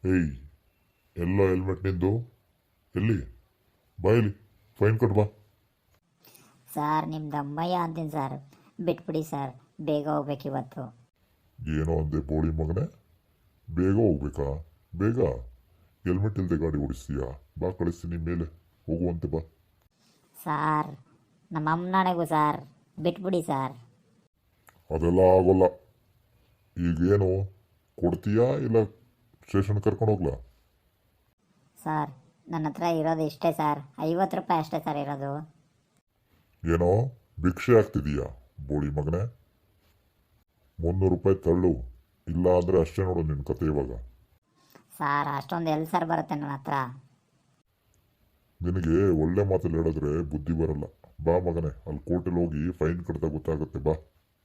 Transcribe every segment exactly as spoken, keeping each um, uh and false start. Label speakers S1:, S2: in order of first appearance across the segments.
S1: ಏಯ್, ಎಲ್ಲ ಹೆಲ್ಮೆಟ್ ನಿಂದು ಎಲ್ಲಿ? ಬಾಯಲ್ಲಿ ಫೈನ್ ಕಟ್ ಬಾ.
S2: ಸರ್ ನಿಮ್ಮ ದಮ್ಮಯ್ಯ ಅಂತೀನಿ ಸರ್, ಬಿಟ್ಬಿಡಿ ಸರ್, ಬೇಗ ಹೋಗ್ಬೇಕು ಇವತ್ತು.
S1: ಏನೋ ಅಂದೆ ಬೋಳಿ ಮಗನೇ, ಬೇಗ ಹೋಗ್ಬೇಕಾ? ಬೇಗ ಹೆಲ್ಮೆಟ್ ಇಲ್ಲದೆ ಗಾಡಿ ಓಡಿಸ್ತೀಯಾ? ಬಾ ಕಳಿಸ್ತೀನಿ ಮೇಲೆ, ಹೋಗುವಂತೆ ಬಾ.
S2: ಸಾರ್ ನಮ್ಮ ಅಮ್ಮನಾಣೆಗೂ ಸರ್, ಬಿಟ್ಬಿಡಿ ಸರ್.
S1: ಅದೆಲ್ಲ ಆಗೋಲ್ಲ. ಈಗೇನು ಕೊಡ್ತೀಯಾ ಇಲ್ಲ ಸ್ಟೇಷನ್ ಕರ್ಕೊಂಡು ಹೋಗ್ಲಾ?
S2: ಸರ್ ನನ್ನ ಹತ್ರ ಇರೋದು ಇಷ್ಟೇ ಸರ್, ಐವತ್ತು ರೂಪಾಯಿ ಅಷ್ಟೇ ಸರ್ ಇರೋದು.
S1: ಏನೋ ಭಿಕ್ಷೆ ಆಗ್ತಿದೀಯಾ ಬೋಳಿ ಮಗನೇ? ಮುನ್ನೂರು ರೂಪಾಯಿ ತಳ್ಳು, ಇಲ್ಲ ಅಂದರೆ ಅಷ್ಟೇ ನೋಡು ನಿನ್ನ ಕತೆ ಇವಾಗ.
S2: ಸರ್ ಅಷ್ಟೊಂದು ಎಲ್ಲಿ ಸರ್ ಬರುತ್ತೆ ನನ್ನ ಹತ್ರ?
S1: ನಿನಗೆ ಒಳ್ಳೆ ಮಾತಲ್ಲಿ ಹೇಳಿದ್ರೆ ಬುದ್ಧಿ ಬರಲ್ಲ. ಬಾ ಮಗನೇ, ಅಲ್ಲಿ ಕೋರ್ಟಲ್ಲಿ ಹೋಗಿ ಫೈನ್ ಕಟ್ತಾ ಗೊತ್ತಾಗುತ್ತೆ ಬಾ.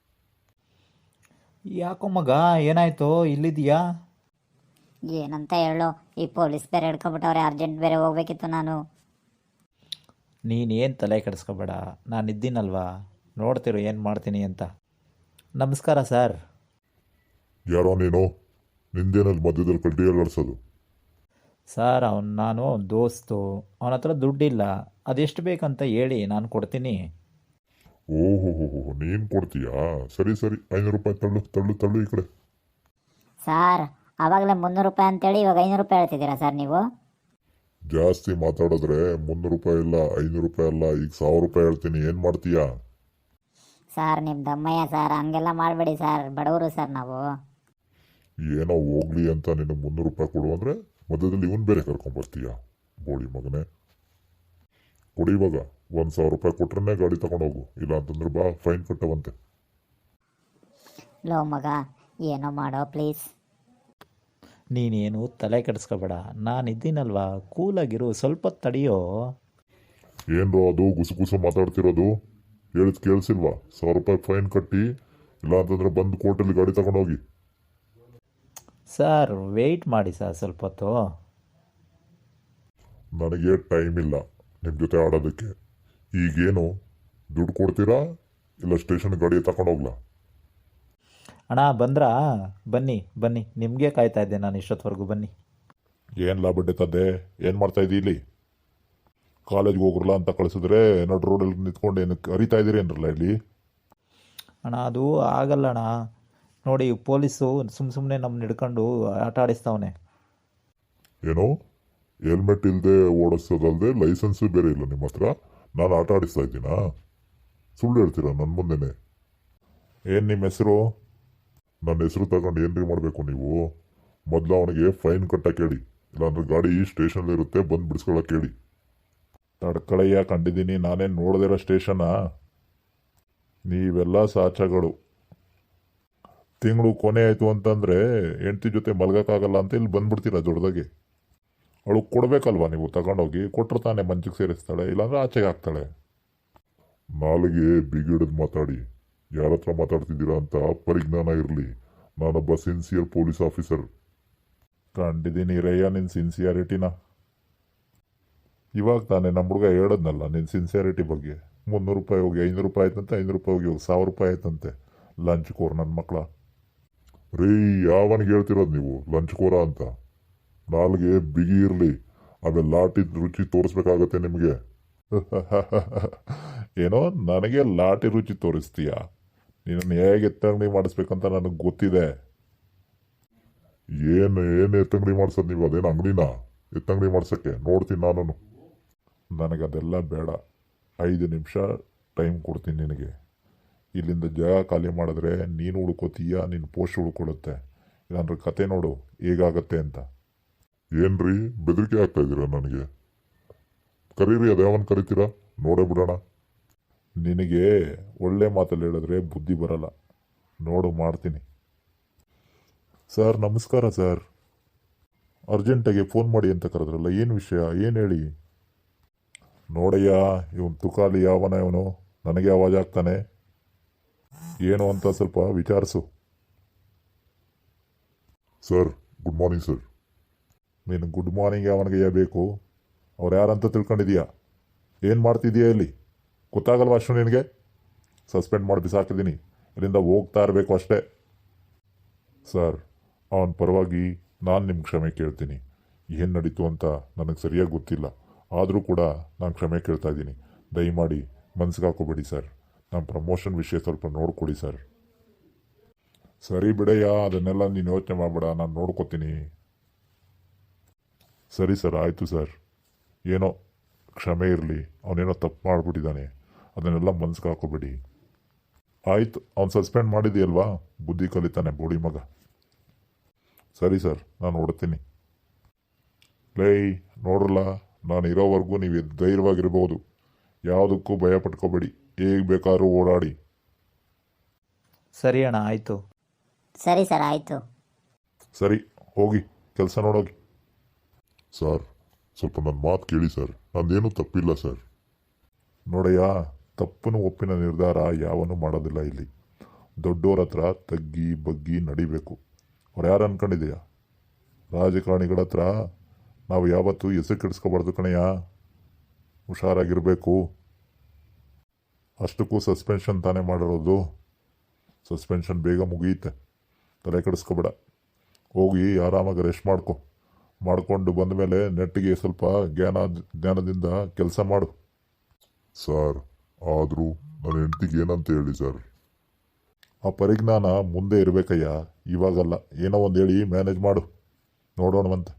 S3: ಯಾಕೋ ಮಗ, ಏನಾಯ್ತು? ಇಲ್ಲಿದೆಯಾ?
S2: ಏನಂತ ಹೇಳು, ಈ ಪೊಲೀಸ್ ಬೇರೆ ಹಿಡ್ಕೊಬಿಟ್ಟವ್ರೆ, ಅರ್ಜೆಂಟ್ ಬೇರೆ ಹೋಗ್ಬೇಕಿತ್ತು ನಾನು.
S3: ನೀನೇನು ತಲೆ ಕೆಡಿಸ್ಕೋಬೇಡ, ನಾನು ಇದ್ದೀನಲ್ವಾ, ನೋಡ್ತಿರು ಏನು ಮಾಡ್ತೀನಿ ಅಂತ. ನಮಸ್ಕಾರ ಸರ್.
S1: ಯಾರೋ ನೀನು? ನಿಂದೇನಲ್ಲಿ ಮಧ್ಯದಲ್ಲಿ ಕಡ್ಡಿ ಅಲ್ಲಾಡ್ಸೋದು?
S3: ಸರ್ ಅವ್ನು ನಾನು ದೋಸ್ತು, ಅವನ ಹತ್ರ ದುಡ್ಡಿಲ್ಲ, ಅದೆಷ್ಟು ಬೇಕಂತ ಹೇಳಿ ನಾನು ಕೊಡ್ತೀನಿ.
S1: ಓಹೋ ಹೋ ಹೋ, ನೀನು ಕೊಡ್ತೀಯಾ? ಸರಿ ಸರಿ, ಐನೂರು ರೂಪಾಯಿ ತಳ್ಳು ತಳ್ಳು ತಳ್ಳು ಈ ಕಡೆ.
S2: ಸರ್ ಆವಾಗಲೇ ಮುನ್ನೂರು ರೂಪಾಯಿ ಅಂತೇಳಿ ಇವಾಗ ಐನೂರು ರೂಪಾಯಿ ಹೇಳ್ತಿದ್ದೀರಾ ಸರ್ ನೀವು?
S1: ಜಾಸ್ತಿ ಮಾತಾಡಿದ್ರೆ ಮುನ್ನೂರು ರೂಪಾಯಿ ಇಲ್ಲ, ಐನೂರು ರೂಪಾಯಿ ಅಲ್ಲ, ಈಗ ಸಾವಿರ ರೂಪಾಯಿ ಹೇಳ್ತೀನಿ. ಏನು ಮಾಡ್ತೀಯಾ?
S2: ಸರ್ ನಿಮ್ಮ ದಮ್ಮಯ್ಯ ಸರ್, ಹಂಗೆಲ್ಲ ಮಾಡಬೇಡಿ ಸರ್, ಬಡವರು ಸರ್ ನಾವು.
S1: ಏನೋ ಹೋಗ್ಲಿ ಅಂತ ನೀನು ಮುನ್ನೂರು ರೂಪಾಯಿ ಕೊಡು ಅಂದರೆ ಮಧ್ಯದಲ್ಲಿ ಇವನು ಬೇರೆ ಕರ್ಕೊಂಬರ್ತೀಯಾ ಬೋಳಿ ಮಗನೇ? ಕೊಡಿ ಇವಾಗ, ಒಂದು ಸಾವಿರ ರೂಪಾಯಿ ಕೊಟ್ರೆ ಗಾಡಿ ತಗೊಂಡೋಗು, ಇಲ್ಲ ಅಂತಂದ್ರೆ ಬಾ ಫೈನ್ ಕಟ್ಟವಂತೆ.
S2: ಲೋ ಮಗ, ಏನೋ ಮಾಡೋ ಪ್ಲೀಸ್.
S3: ನೀನೇನು ತಲೆ ಕೆಡಿಸ್ಕೋಬೇಡ, ನಾನು ಇದ್ದೀನಲ್ವಾ, ಕೂಲಾಗಿರು, ಸ್ವಲ್ಪ ಹೊತ್ತು ತಡೆಯೋ.
S1: ಏನ್ರೋ ಅದು ಗುಸು ಗುಸು ಮಾತಾಡ್ತಿರೋದು? ಹೇಳಿದ್ ಕೇಳಿಸಿಲ್ವಾ? ಸಾವಿರ ರೂಪಾಯಿ ಫೈನ್ ಕಟ್ಟಿ, ಇಲ್ಲ ಅಂತಂದ್ರೆ ಬಂದು ಕೋರ್ಟಲ್ಲಿ ಗಾಡಿ ತಗೊಂಡೋಗಿ.
S3: ಸರ್ ವೆಯ್ಟ್ ಮಾಡಿ ಸರ್ ಸ್ವಲ್ಪ ಹೊತ್ತು.
S1: ನನಗೆ ಟೈಮ್ ಇಲ್ಲ ನಿಮ್ಮ ಜೊತೆ ಆಡೋದಕ್ಕೆ. ಈಗೇನು ದುಡ್ಡು ಕೊಡ್ತೀರಾ ಇಲ್ಲ ಸ್ಟೇಷನ್ ಗಾಡಿ ತಗೊಂಡೋಗ್ಲಾ?
S3: ಅಣ್ಣ ಬಂದ್ರಾ? ಬನ್ನಿ ಬನ್ನಿ, ನಿಮಗೆ ಕಾಯ್ತಾ ಇದ್ದೆ ನಾನು ಇಷ್ಟೊತ್ತವರೆಗೂ, ಬನ್ನಿ.
S1: ಏನು ಲಾಭ ತದ್ದೆ? ಏನು ಮಾಡ್ತಾ ಇದ್ದೀ ಇಲ್ಲಿ? ಕಾಲೇಜ್ಗೆ ಹೋಗ್ರಲ್ಲ ಅಂತ ಕಳಿಸಿದ್ರೆ ನಡು ರೋಡಲ್ಲಿ ನಿಂತ್ಕೊಂಡು ಏನಕ್ಕೆ ಅರಿತಾ ಇದ್ದೀರಿ ಏನರಲ್ಲ ಇಲ್ಲಿ?
S3: ಅಣ್ಣ ಅದು ಆಗಲ್ಲ ಅಣ್ಣ, ನೋಡಿ ಪೊಲೀಸು ಸುಮ್ಮ ಸುಮ್ಮನೆ ನಮ್ಮನ್ನ ಹಿಡ್ಕೊಂಡು ಆಟ ಆಡಿಸ್ತಾವನೆ.
S1: ಏನೋ ಹೆಲ್ಮೆಟ್ ಇಲ್ಲದೆ ಓಡಿಸೋದಲ್ಲದೆ ಲೈಸೆನ್ಸು ಬೇರೆ ಇಲ್ಲ ನಿಮ್ಮ ಹತ್ರ? ನಾನು ಆಟ ಆಡಿಸ್ತಾ ಇದ್ದೀನಾ? ಸುಳ್ಳು ಹೇಳ್ತೀರಾ ನನ್ನ ಮುಂದೆನೆ? ಏನು ನಿಮ್ಮ ಹೆಸರು? ನನ್ನ ಹೆಸರು ತಗೊಂಡು ಏನ್ರಿ ಮಾಡಬೇಕು ನೀವು? ಮೊದಲು ಅವನಿಗೆ ಫೈನ್ ಕಟ್ಟಕ್ಕೆ ಹೇಳಿ, ಇಲ್ಲಾಂದ್ರೆ ಗಾಡಿ ಸ್ಟೇಷನಲ್ಲಿ ಇರುತ್ತೆ, ಬಂದು ಬಿಡಿಸ್ಕೊಳಕ್ಕೆ ಹೇಳಿ. ತಡ್ಕಳಯ್ಯ, ಕಂಡಿದ್ದೀನಿ, ನಾನೇನು ನೋಡ್ದಿರೋ ಸ್ಟೇಷನ್ನ? ನೀವೆಲ್ಲ ಸಾಚಗಳು. ತಿಂಗಳು ಕೊನೆ ಆಯಿತು ಅಂತಂದರೆ ಹೆಂಡ್ತಿ ಜೊತೆ ಮಲ್ಗೋಕ್ಕಾಗಲ್ಲ ಅಂತ ಇಲ್ಲಿ ಬಂದ್ಬಿಡ್ತೀರ ದೊಡ್ಡದಾಗೆ. ಅವಳು ಕೊಡಬೇಕಲ್ವಾ ನೀವು ತಗೊಂಡೋಗಿ? ಕೊಟ್ಟರು ತಾನೇ ಮಂಚಿಗೆ ಸೇರಿಸ್ತಾಳೆ, ಇಲ್ಲಾಂದ್ರೆ ಆಚೆಗೆ ಹಾಕ್ತಾಳೆ. ನಾಲಿಗೆ ಬಿಗಿಡಿದು ಮಾತಾಡಿ, ಯಾರ ಹತ್ರ ಮಾತಾಡ್ತಿದ್ದೀರಾ ಅಂತ ಪರಿಜ್ಞಾನ ಇರಲಿ. ನಾನೊಬ್ಬ ಸಿನ್ಸಿಯರ್ ಪೊಲೀಸ್ ಆಫೀಸರ್. ಕಂಡಿದ್ದೀನಿ ರಯ್ಯ ನಿನ್ನ ಸಿನ್ಸಿಯಾರಿಟಿನ. ಇವಾಗ ತಾನೇ ನಮ್ಮ ಹುಡುಗ ಹೇಳದ್ನಲ್ಲ ನಿನ್ನ ಸಿನ್ಸಿಯಾರಿಟಿ ಬಗ್ಗೆ. ಮುನ್ನೂರು ರೂಪಾಯಿ ಹೋಗಿ ಐನೂರು ರೂಪಾಯಿ ಆಯ್ತಂತೆ, ಐನೂರು ರೂಪಾಯಿ ಹೋಗಿ ಹೋಗಿ ಸಾವಿರ ರೂಪಾಯಿ ಆಯ್ತಂತೆ. ಲಂಚ್ ಕೋರ್ ನನ್ನ ಮಕ್ಕಳ. ರೀ, ಯಾವನಿಗೆ ಹೇಳ್ತಿರೋದು ನೀವು ಲಂಚ್ ಕೋರ ಅಂತ? ನಾಲ್ಗೆ ಬಿಗಿ ಇರಲಿ, ಆಮೇಲೆ ಲಾಟಿ ರುಚಿ ತೋರಿಸ್ಬೇಕಾಗತ್ತೆ ನಿಮಗೆ. ಏನೋ ನನಗೆ ಲಾಟಿ ರುಚಿ ತೋರಿಸ್ತೀಯಾ? ನೀನನ್ನು ಹೇಗೆ ಎತ್ತಂಗಡಿ ಮಾಡಿಸ್ಬೇಕಂತ ನನಗೆ ಗೊತ್ತಿದೆ. ಏನು ಏನು ಎತ್ತಂಗಡಿ ಮಾಡ್ಸೋದು ನೀವು? ಅದೇನು ಅಂಗಡಿನ ಎತ್ತಂಗಡಿ ಮಾಡ್ಸೋಕ್ಕೆ? ನೋಡ್ತೀನಿ ನಾನು. ನನಗದೆಲ್ಲ ಬೇಡ. ಐದು ನಿಮಿಷ ಟೈಮ್ ಕೊಡ್ತೀನಿ ನಿನಗೆ. ಇಲ್ಲಿಂದ ಜಾಗ ಖಾಲಿ ಮಾಡಿದ್ರೆ ನೀನು ಉಳ್ಕೋತೀಯ, ನಿನ್ನ ಪೋಸ್ಟ್ ಉಳ್ಕೊಳ್ಳುತ್ತೆ, ಇಲ್ಲಾಂದ್ರೆ ಕತೆ ನೋಡು ಹೇಗಾಗತ್ತೆ ಅಂತ. ಏನ್ರಿ ಬೆದರಿಕೆ ಆಗ್ತಾ ಇದ್ದೀರಾ ನನಗೆ? ಕರೀರಿ, ಅದು ಯಾವನ್ ಕರಿತೀರಾ ನೋಡೇ ಬಿಡೋಣ. ನಿನಗೆ ಒಳ್ಳೆ ಮಾತಲ್ಲಿ ಹೇಳಿದ್ರೆ ಬುದ್ಧಿ ಬರಲ್ಲ, ನೋಡು ಮಾಡ್ತೀನಿ. ಸರ್ ನಮಸ್ಕಾರ ಸರ್. ಅರ್ಜೆಂಟಾಗಿ ಫೋನ್ ಮಾಡಿ ಅಂತ ಕರೆದ್ರಲ್ಲ, ಏನು ವಿಷಯ? ಏನು ಹೇಳಿ? ನೋಡಯ್ಯ, ಇವನು ತುಕಾಲಿ ಯಾವನ ಇವನು, ನನಗೆ ಆವಾಜ್ ಆಗ್ತಾನೆ. ಏನು ಅಂತ ಸ್ವಲ್ಪ ವಿಚಾರಿಸು. Sir good morning sir. ನೀನು ಗುಡ್ ಮಾರ್ನಿಂಗ್ ಅವನಿಗೆ ಬೇಕು? ಅವ್ರು ಯಾರಂತ ತಿಳ್ಕೊಂಡಿದೀಯಾ? ಏನು ಮಾಡ್ತಿದ್ದೀಯಾ ಇಲ್ಲಿ? ಗೊತ್ತಾಗಲ್ವ ಅಷ್ಟು ನಿನಗೆ? ಸಸ್ಪೆಂಡ್ ಮಾಡಿ ಬಿಸಾಕಿದ್ದೀನಿ, ಇಲ್ಲಿಂದ ಹೋಗ್ತಾ ಇರಬೇಕು ಅಷ್ಟೇ. ಸರ್ ಅವನ ಪರವಾಗಿ ನಾನು ನಿಮ್ಮ ಕ್ಷಮೆ ಕೇಳ್ತೀನಿ. ಏನು ನಡೀತು ಅಂತ ನನಗೆ ಸರಿಯಾಗಿ ಗೊತ್ತಿಲ್ಲ, ಆದರೂ ಕೂಡ ನಾನು ಕ್ಷಮೆ ಕೇಳ್ತಾ ಇದ್ದೀನಿ. ದಯಮಾಡಿ ಮನ್ಸಿಗೆ ಹಾಕೋಬೇಡಿ ಸರ್. ನಮ್ಮ ಪ್ರಮೋಷನ್ ವಿಷಯ ಸ್ವಲ್ಪ ನೋಡ್ಕೊಡಿ ಸರ್. ಸರಿ ಬಿಡಯ್ಯ, ಅದನ್ನೆಲ್ಲ ನೀನು ಯೋಚನೆ ಮಾಡಬೇಡ, ನಾನು ನೋಡ್ಕೋತೀನಿ. ಸರಿ ಸರ್, ಆಯಿತು ಸರ್. ಏನೋ ಕ್ಷಮೆ ಇರಲಿ, ಅವನೇನೋ ತಪ್ಪು ಮಾಡಿಬಿಟ್ಟಿದ್ದಾನೆ, ಅದನ್ನೆಲ್ಲ ಮನ್ಸಿಗೆ ಹಾಕೋಬೇಡಿ. ಆಯಿತು, ಅವ್ನು ಸಸ್ಪೆಂಡ್ ಮಾಡಿದೆಯಲ್ವಾ, ಬುದ್ಧಿ ಕಲಿತಾನೆ ಬೋಡಿ ಮಗ. ಸರಿ ಸರ್, ನಾನು ಹೊಡ್ತೀನಿ. ಲೈ ನೋಡ್ರಲ್ಲ, ನಾನು ಇರೋವರೆಗೂ ನೀವು ಧೈರ್ಯವಾಗಿರ್ಬೋದು, ಯಾವುದಕ್ಕೂ ಭಯ ಪಟ್ಕೋಬೇಡಿ, ಹೇಗೆ ಬೇಕಾದ್ರೂ ಓಡಾಡಿ.
S3: ಸರಿ ಅಣ್ಣ, ಆಯಿತು.
S2: ಸರಿ ಸರ್, ಆಯಿತು.
S1: ಸರಿ, ಹೋಗಿ ಕೆಲಸ ನೋಡೋಗಿ. ಸರ್, ಸ್ವಲ್ಪ ನನ್ನ ಮಾತು ಕೇಳಿ ಸರ್, ನಂದೇನೂ ತಪ್ಪಿಲ್ಲ ಸರ್. ನೋಡಯ್ಯ, ತಪ್ಪನ್ನು ಒಪ್ಪಿನ ನಿರ್ಧಾರ ಯಾವನೂ ಮಾಡೋದಿಲ್ಲ ಇಲ್ಲಿ. ದೊಡ್ಡೋರ ಹತ್ರ ತಗ್ಗಿ ಬಗ್ಗಿ ನಡಿಬೇಕು. ಅವ್ರು ಯಾರು ಅನ್ಕೊಂಡಿದೆಯಾ? ರಾಜಕಾರಣಿಗಳ ಹತ್ರ ನಾವು ಯಾವತ್ತೂ ಹೆಸರು ಕೆಡಿಸ್ಕೋಬಾರ್ದು ಕಣಯ್ಯ, ಹುಷಾರಾಗಿರಬೇಕು. ಅಷ್ಟಕ್ಕೂ ಸಸ್ಪೆನ್ಷನ್ ತಾನೇ ಮಾಡಿರೋದು, ಸಸ್ಪೆನ್ಷನ್ ಬೇಗ ಮುಗಿಯುತ್ತೆ, ತಲೆ ಕೆಡಿಸ್ಕೋಬೇಡ. ಹೋಗಿ ಆರಾಮಾಗಿ ರೆಸ್ಟ್ ಮಾಡ್ಕೊ, ಮಾಡಿಕೊಂಡು ಬಂದ ಮೇಲೆ ನೆಟ್ಟಿಗೆ ಸ್ವಲ್ಪ ಜ್ಞಾನ ಜ್ಞಾನದಿಂದ ಕೆಲಸ ಮಾಡು. ಸರ್, ಆದರೂ ನನ್ನ ಹೆಂಡ್ತಿಗೆ ಏನಂತ ಹೇಳಿ ಸರ್? ಆ ಪರಿಜ್ಞಾನ ಮುಂದೆ ಇರಬೇಕಯ್ಯ, ಇವಾಗಲ್ಲ. ಏನೋ ಒಂದು ಹೇಳಿ ಮ್ಯಾನೇಜ್ ಮಾಡು, ನೋಡೋಣವಂತೆ.